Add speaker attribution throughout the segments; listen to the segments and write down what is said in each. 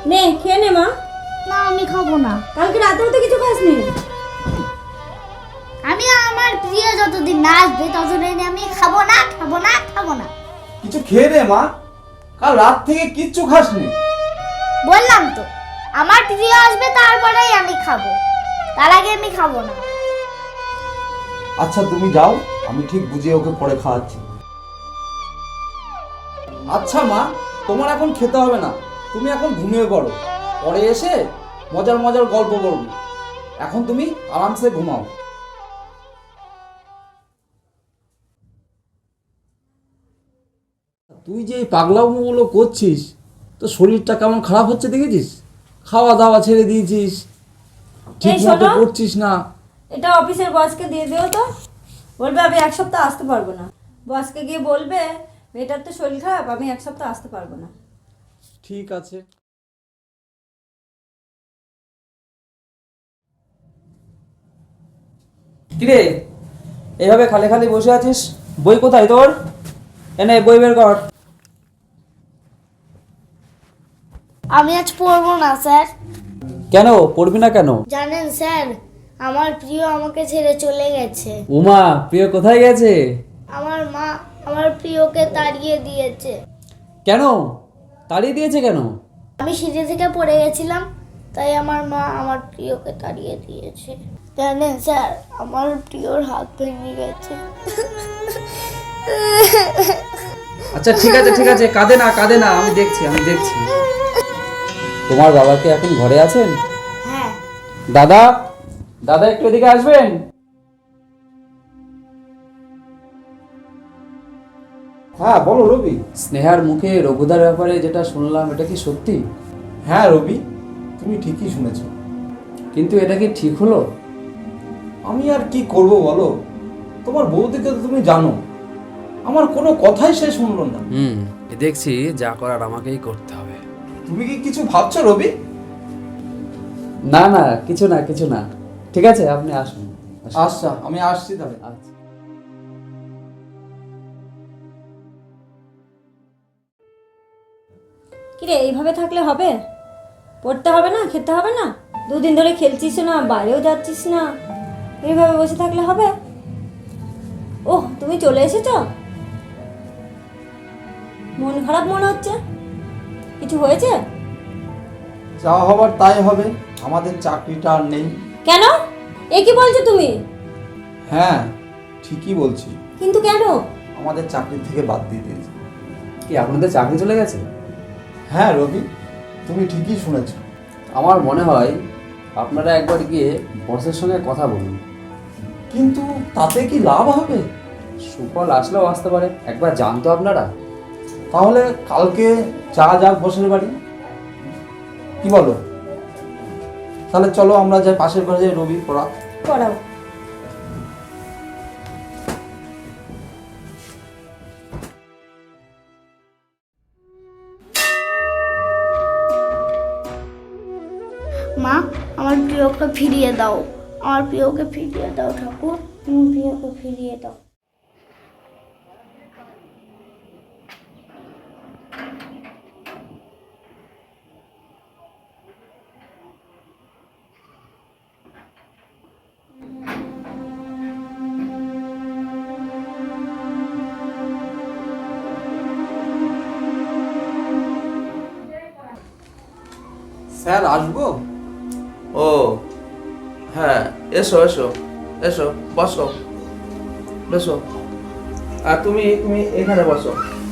Speaker 1: নে খেয়ে নে মা।
Speaker 2: না আমি খাবো না।
Speaker 1: কালকে রাতেও তো কিছু খাসনি।
Speaker 2: আমি আমার প্রিয় যতদিন না আসবে ততদিন আমি খাবো না খাবো না খাবো না।
Speaker 3: কিছু খেয়ে নে মা, কাল রাত থেকে কিচ্ছু খাসনি।
Speaker 2: বললাম তো আমার প্রিয় আসবে তারপরেই আমি খাবো, তার আগে আমি খাবো না।
Speaker 3: আচ্ছা তুমি যাও, আমি ঠিক বুঝিয়ে ওকে পরে খাওয়াচ্ছি। আচ্ছা মা, তোমার এখন খেতে হবে না, তুমি এখন ঘুমিয়ে পড়ো, পরে এসে মজার মজার গল্প বলবো। এখন তুমি আরামসে ঘুমাও। তুই যে এই পাগলামোগুলো করছিস, তো শরীরটা কেমন খারাপ হচ্ছে দেখেছিস? খাওয়া দাওয়া ছেড়ে দিয়েছিস, ঠিক
Speaker 1: এই
Speaker 3: মতো
Speaker 1: শোনো।
Speaker 3: করছিস না।
Speaker 1: এটা অফিসের বসকে দিয়ে দিও তো, বলবে আমি এক সপ্তাহ আসতে পারবো না। বসকে গিয়ে বলবে মেয়েটার তো শরীর খারাপ, আমি এক সপ্তাহ আসতে পারবো না।
Speaker 3: ঠিক আছে।
Speaker 4: কিরে এইভাবে খালি খালি বসে আছিস? বই কোথায় তোর? এনে বই বের কর।
Speaker 2: আমি আজ পড়বো না স্যার।
Speaker 4: কেন পড়বি না কেন?
Speaker 2: জানেন স্যার, আমার প্রিয় আমাকে ছেড়ে চলে গেছে।
Speaker 4: উমা, প্রিয় কোথায় গেছে?
Speaker 2: আমার মা আমার প্রিয়কে তাড়িয়ে দিয়েছে।
Speaker 4: কেন তাড়িয়ে দিয়েছে কেন?
Speaker 2: আমি সিঁড়ি থেকে পড়ে গেছিলাম, তাই আমার মা আমার প্রিয়কে তাড়িয়ে দিয়েছে। জানেন স্যার, আমার প্রিয়র হাত ভেঙে গেছে।
Speaker 4: আচ্ছা ঠিক আছে ঠিক আছে, কাঁদে না, আমি দেখছি। তোমার বাবা কি এখন ঘরে আছেন?
Speaker 2: হ্যাঁ।
Speaker 4: দাদা, দাদা একটু এদিকে আসবেন।
Speaker 3: হ্যাঁ বলো রবি।
Speaker 4: স্নেহার মুখে রঘুদার ব্যাপারে যেটা শুনলাম, এটা কি সত্যি?
Speaker 3: হ্যাঁ রবি, তুমি ঠিকই শুনেছ।
Speaker 4: কিন্তু এটা কি ঠিক হলো?
Speaker 3: আমি আর কি করব বলো, তোমার বৌদিকে তো তুমি জানো, আমার কোনো কথাই সে শুনলো না।
Speaker 4: দেখছি যা করার আমাকেই করতে হবে।
Speaker 3: তুমি কি কিছু ভাবছো রবি?
Speaker 4: না না, কিছু না। ঠিক আছে, আপনি আসুন।
Speaker 3: আচ্ছা আমি আসছি তাহলে।
Speaker 4: আচ্ছা।
Speaker 1: কিরে এইভাবে থাকলে হবে? পড়তে হবে না, খেতে হবে না, দুদিন ধরে খেলছিস না, বাইরেও যাচ্ছিস না, এইভাবে বসে থাকলে হবে? ওহ, তুমি চলে এসেছো? মন খারাপ মনে হচ্ছে, কিছু হয়েছে?
Speaker 3: যা হবার তাই হবে, আমাদের চাকরিটা আর নেই।
Speaker 1: কেন? এ কি বলছো তুমি?
Speaker 3: হ্যাঁ ঠিকই বলছি,
Speaker 1: কিন্তু কেন?
Speaker 3: আমাদের চাকরি থেকে বাদ দিয়ে দিয়েছে।
Speaker 4: কি আপনাদের চাকরি চলে গেছে?
Speaker 3: হ্যাঁ রবি, তুমি ঠিকই শুনেছ।
Speaker 4: আমার মনে হয় আপনারা একবার গিয়ে বসের সঙ্গে কথা বলুন।
Speaker 3: কিন্তু তাতে কি লাভ হবে?
Speaker 4: সুফল আসলেও আসতে পারে, একবার জানতো আপনারা।
Speaker 3: তাহলে কালকে যাক বসের বাড়ি, কি বলো? তাহলে চলো আমরা যাই, পাশের ঘরে যাই, রবি পড়া।
Speaker 1: পড়াও।
Speaker 2: মা, আমার প্রিয়কে ফিরিয়ে দাও, আমার প্রিয়কে ফিরিয়ে দাও ঠাকুর, আমার প্রিয়কে ফিরিয়ে দাও।
Speaker 3: স্যার আসবো?
Speaker 5: ও হ্যাঁ, এসো এসো এসো, বসো বসো। আর তুমি তুমি এখানে বসো।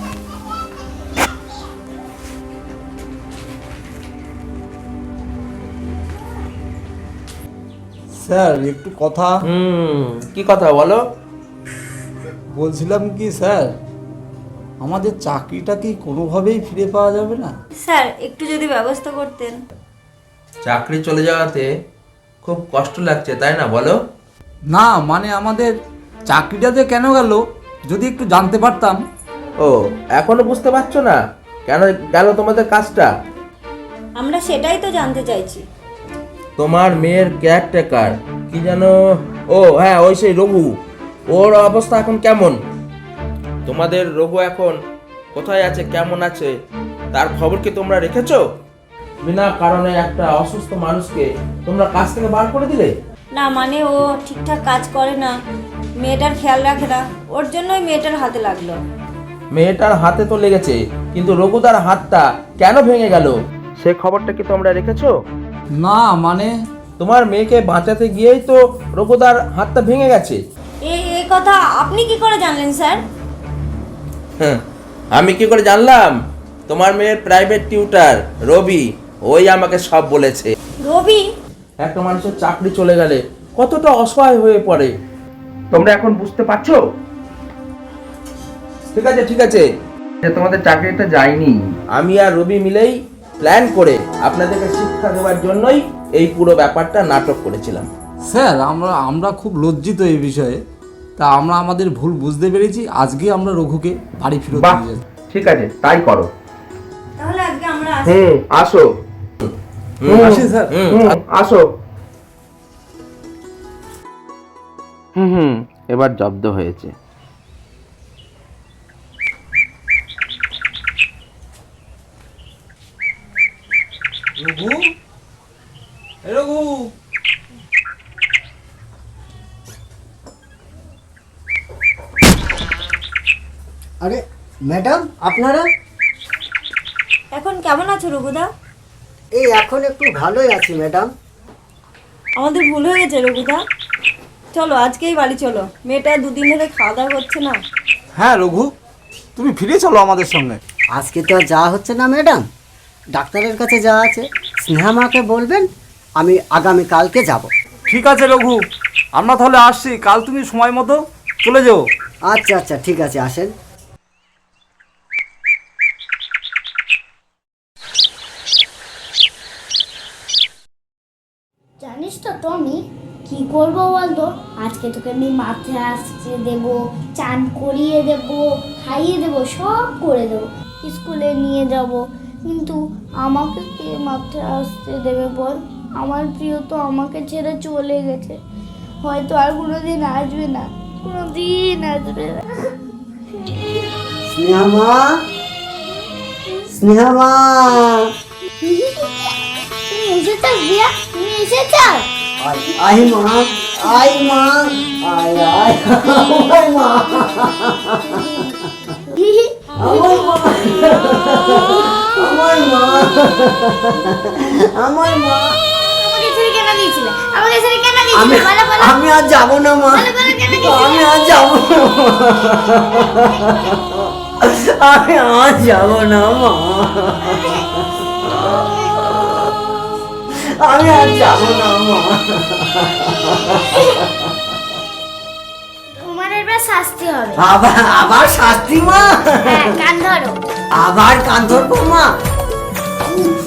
Speaker 3: স্যার একটু কথা
Speaker 5: কি কথা বলো?
Speaker 3: বলছিলাম কি স্যার, আমাদের চাকরিটা কি কোনোভাবেই ফিরে পাওয়া যাবে না?
Speaker 1: স্যার একটু যদি ব্যবস্থা করতেন।
Speaker 5: চাকরি চলে যাওয়াতে খুব কষ্ট লাগছে তাই না, বলো?
Speaker 3: না মানে আমাদের চাকরিটা যে কেন গেল যদি একটু জানতে পারতাম।
Speaker 5: ও এখনো বুঝতে পারছো না কেন গেল তোমাদের কাজটা?
Speaker 1: আমরা সেটাই তো জানতে চাইছি।
Speaker 5: তোমার মেয়ের কেয়ারটেকার কি যেন, ও হ্যাঁ ওই সেই রঘু, ওর অবস্থা এখন কেমন? তোমাদের রঘু এখন কোথায় আছে, কেমন আছে, তার খবর কি তোমরা রেখেছো? বিনা কারণে একটা অসুস্থ মানুষকে তোমরা কাজ থেকে বার করে দিলে?
Speaker 1: না মানে ও ঠিকঠাক কাজ করে না, মেয়েটার খেয়াল রাখে না, ওর জন্যই মেয়েটার হাতে লাগলো।
Speaker 5: মেয়েটার হাতে তো লেগেছে, কিন্তু রঘুদার হাতটা কেন ভেঙে গেল সে খবরটা কি তোমরা রেখেছো?
Speaker 3: না মানে
Speaker 5: তোমার মেয়েকে বাঁচাতে গিয়েই তো রঘুদার হাতটা ভেঙে গেছে।
Speaker 1: এই কথা আপনি কি করে জানলেন স্যার?
Speaker 5: হ্যাঁ, আমি কি করে জানলাম? তোমার মেয়ের প্রাইভেট টিউটার রবি, ওই আমাকে সব বলেছে।
Speaker 1: রবি?
Speaker 5: একটা মানুষের চাকরি চলে গেলে কতটা অসহায় হয়ে পড়ে তোমরা এখন বুঝতে পারছো? ঠিক আছে ঠিক আছে, যে তোমাদের চাকরিটা যায়নি, আমি আর রবি মিলেই প্ল্যান করে আপনাদেরকে শিক্ষা দেওয়ার জন্যই এই পুরো ব্যাপারটা নাটক করেছিলাম।
Speaker 3: স্যার আমরা খুব লজ্জিত এই বিষয়ে, তা আমরা আমাদের ভুল বুঝতে পেরেছি, আজকে আমরা রঘুকে বাড়ি ফেরত
Speaker 5: বাহ,
Speaker 3: নিয়ে যাচ্ছি।
Speaker 5: ঠিক আছে তাই করো।
Speaker 1: তাহলে আজকে আমরা আসি।
Speaker 5: আসো।
Speaker 3: আসি স্যার।
Speaker 5: আসো। এবার জব্দ হয়েছে।
Speaker 3: রঘু, এ রঘু,
Speaker 6: আরে ম্যাডাম, আপনারা?
Speaker 1: এখন কেমন আছো রঘুদা?
Speaker 6: এই এখন একটু ভালোই আছি ম্যাডাম।
Speaker 1: আমাদের ভুল হয়ে গেছে রঘুদা, চলো আজকেই বাড়ি চলো, মেয়েটা দুদিন ধরে খাওয়া দাওয়া করছে না।
Speaker 3: হ্যাঁ রঘু, তুমি ফিরে চলো আমাদের সঙ্গে।
Speaker 6: আজকে তো আর যাওয়া হচ্ছে না ম্যাডাম, ডাক্তারের কাছে যাওয়া আছে। স্নেহামাকে বলবেন আমি আগামীকালকে যাব।
Speaker 3: ঠিক আছে রঘু, আমরা তাহলে আসছি, কাল তুমি সময় মতো চলে যাও।
Speaker 6: আচ্ছা আচ্ছা ঠিক আছে, আসেন।
Speaker 2: জানিস তো টমি, কি করবো বলতো? আজকে তোকে আমি মাথায় আসতে দেবো, চান করিয়ে দেবো, খাইয়ে দেবো, সব করে দেবো, স্কুলে নিয়ে যাব, কিন্তু আমাকে কে মাথায় আসতে দেবে বল? আমার প্রিয় তো আমাকে ছেড়ে চলে গেছে, হয়তো আর কোনোদিন আসবে না, কোনোদিন আসবে না।
Speaker 6: স্নেহামা, স্নেহামা,
Speaker 2: তুমি এসেছো বিয়া, তুমি এসেছো?
Speaker 6: আই মা, আই মা, আয় আয়, আমার মা, আমার মা, আমার মা, আমার মা।
Speaker 2: আমাকে ছেড়ে কেন দিয়েছিলে? আমাকে ছেড়ে কেন দিয়েছিলে? বলো বলো।
Speaker 6: আমি আর যাবো না মা,
Speaker 2: বলো বলো, কেন দিয়েছিলে?
Speaker 6: আমি আর যাবো না, আমি আর যাবো না মা, আমি আর যাবো না মা।
Speaker 2: তোমার এবার শাস্তি হবে।
Speaker 6: আবার আবার শাস্তি মা?
Speaker 2: হ্যাঁ, কান ধরো।
Speaker 6: আবার কান ধরবো মা?